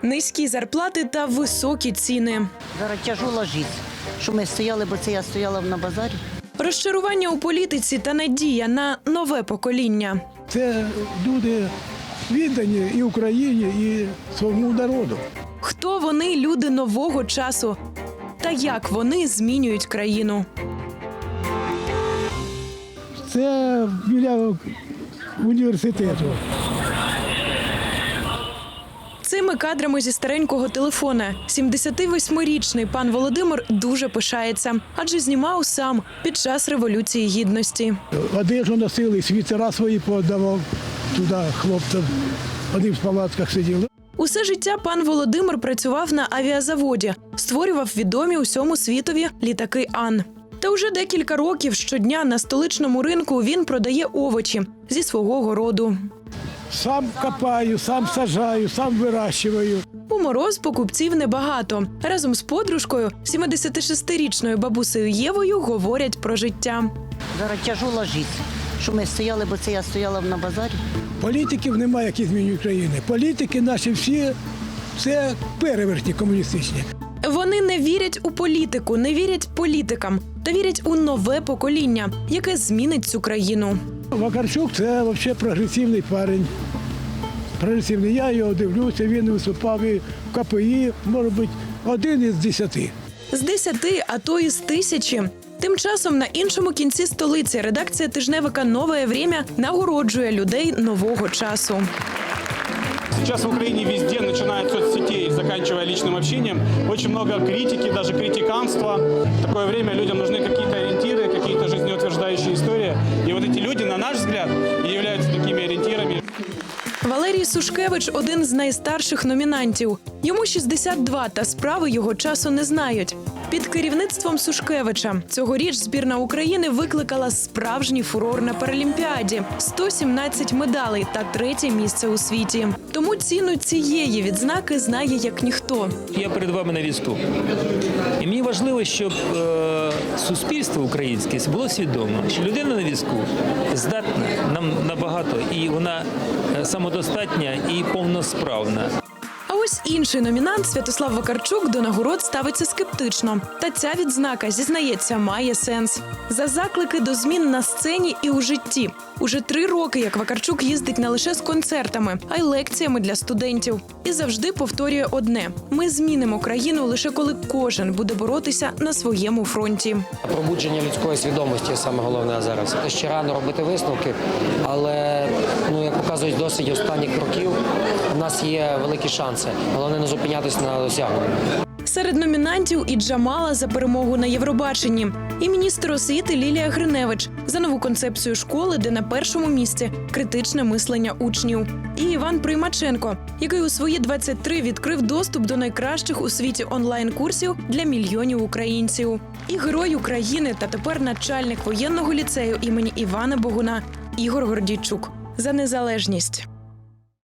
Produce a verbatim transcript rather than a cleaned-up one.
Низькі зарплати та високі ціни. Зараз тяжела життя. Що ми стояли, бо це я стояла на базарі. Розчарування у політиці та надія на нове покоління. Це люди віддані і Україні, і своєму народу. Хто вони, люди нового часу? Та як вони змінюють країну? Це біля університету. Цими кадрами зі старенького телефона сімдесятивосьмирічний пан Володимир дуже пишається, адже знімав сам під час Революції Гідності. Одежу носили, світера свої подавав туди хлопцям. Вони в палатках сиділи. Усе життя пан Володимир працював на авіазаводі, створював відомі усьому світові літаки Ан. Та уже декілька років щодня на столичному ринку він продає овочі зі свого городу. Сам копаю, сам саджаю, сам вирощую. У мороз покупців небагато. Разом з подружкою, сімдесятишестирічною бабусею Євою, говорять про життя. Зараз тяжела життя. Що ми стояли, бо це я стояла на базарі. Політиків немає, які змінюють країни. Політики наші всі – це перевертні комуністичні. Вони не вірять у політику, не вірять політикам, та вірять у нове покоління, яке змінить цю країну. Вакарчук – це взагалі прогресивний парень. Прогресивний. Я його дивлюся, він виступав і в ка пе і, може бути, один із десяти. З десяти, а то і з тисячі. Тим часом на іншому кінці столиці редакція тижневика «Нове время» нагороджує людей нового часу. Сейчас в Украине везде, начиная от соцсетей, заканчивая личным общением, очень много критики, даже критиканства. В такое время людям нужны какие-то ориентиры, какие-то жизнеутверждающие истории. И вот эти люди, на наш взгляд, и являются такими ориентирами. Валерій Сушкевич – один з найстарших номінантів. Йому шістдесят два, та справи його часу не знають. Під керівництвом Сушкевича цьогоріч збірна України викликала справжній фурор на Паралімпіаді – сто сімнадцять медалей та третє місце у світі. Тому ціну цієї відзнаки знає як ніхто. Я перед вами на візку. І мені важливо, щоб е, суспільство українське було свідомо, що людина на візку здатна нам набагато, і вона самодостатня і повносправна. А ось інший номінант Святослав Вакарчук до нагород ставиться скептично. Та ця відзнака, зізнається, має сенс. За заклики до змін на сцені і у житті. Уже три роки, як Вакарчук їздить не лише з концертами, а й лекціями для студентів. І завжди повторює одне – ми змінимо країну лише коли кожен буде боротися на своєму фронті. Пробудження людської свідомості – саме головне зараз. Ще рано робити висновки, але, ну, як показують досвід останніх років, у нас є великі шанси. Головне не зупинятися на досягненні. Серед номінантів і Джамала за перемогу на Євробаченні, і міністр освіти Лілія Гриневич за нову концепцію школи, де на першому місці критичне мислення учнів. І Іван Приймаченко, який у свої двадцять три відкрив доступ до найкращих у світі онлайн-курсів для мільйонів українців. І герой України та тепер начальник воєнного ліцею імені Івана Богуна Ігор Гордійчук за незалежність.